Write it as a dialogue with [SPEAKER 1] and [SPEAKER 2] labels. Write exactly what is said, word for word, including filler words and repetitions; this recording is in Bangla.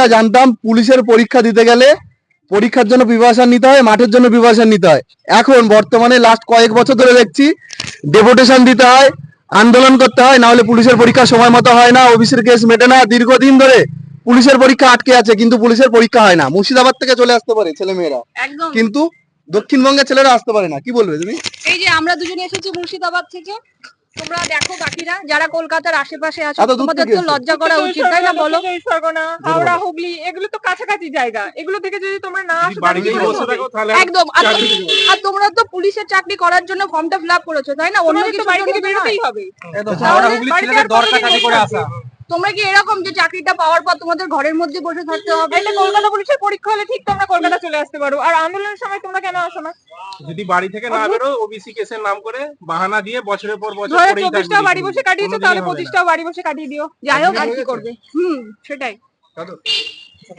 [SPEAKER 1] জানতাম পুলিশের পরীক্ষা দিতে গেলে পরীক্ষার জন্য প্রিপারেশন নিতে হয়, মাঠের জন্য প্রিপারেশন নিতে হয়। এখন বর্তমানে লাস্ট কয়েক বছর ধরে দেখছি ডেপুটেশন দিতে হয়, আন্দোলন করতে হয়, না হলে পুলিশের পরীক্ষা সময় মতো হয় না, ওবিসির কেস মেটে না, দীর্ঘদিন ধরে পুলিশের পরীক্ষা আটকে আছে, কিন্তু পুলিশের পরীক্ষা হয় না। মুর্শিদাবাদ থেকে চলে আসতে পারে ছেলে মেয়েরা, কিন্তু দক্ষিণবঙ্গের ছেলেরা আসতে পারে না। কি বলবে তুমি?
[SPEAKER 2] এই যে আমরা দুজনে এসেছি মুর্শিদাবাদ থেকে, তোমরা দেখো বাকিরা যারা কলকাতার আশেপাশে আছো, তোমাদের তো লজ্জা করা উচিত, তাই না বলো?
[SPEAKER 3] হাওড়া, হুগলি এগুলো তো কাছাকাছি জায়গা, এগুলো থেকে যদি তোমরা না আসো
[SPEAKER 2] একদম। আর তোমরা তো পুলিশের চাকরি করার জন্য ফর্মটা ফিল আপ করেছো, তাই না? অন্য কিছু
[SPEAKER 3] বাড়ি থেকে বেরোতেই হবে।
[SPEAKER 2] তোমরা কি এরকম যে চাকরিটা পাওয়ার পর তোমাদের ঘরের মধ্যে বসে থাকতে হবে?
[SPEAKER 3] এটা কলকাতা পুলিশের পরীক্ষা হলে ঠিক তোমরা কলকাতা চলে আসতে পারো, আর আন্দোলনের সময় তোমরা কেন আসো না?
[SPEAKER 4] যদি বাড়ি থেকে না বেরো, ওবিসি কেসের নাম করে বাহানা দিয়ে বছরের পর বছর
[SPEAKER 3] পড়েই থাকবে। চব্বিশটা বাড়ি বসে কাটিয়েছো, তাহলে পঁচিশটাও বাড়ি বসে কাটিয়ে দিও।
[SPEAKER 2] যাই হোক, আর কি করবে? হুম, সেটাই।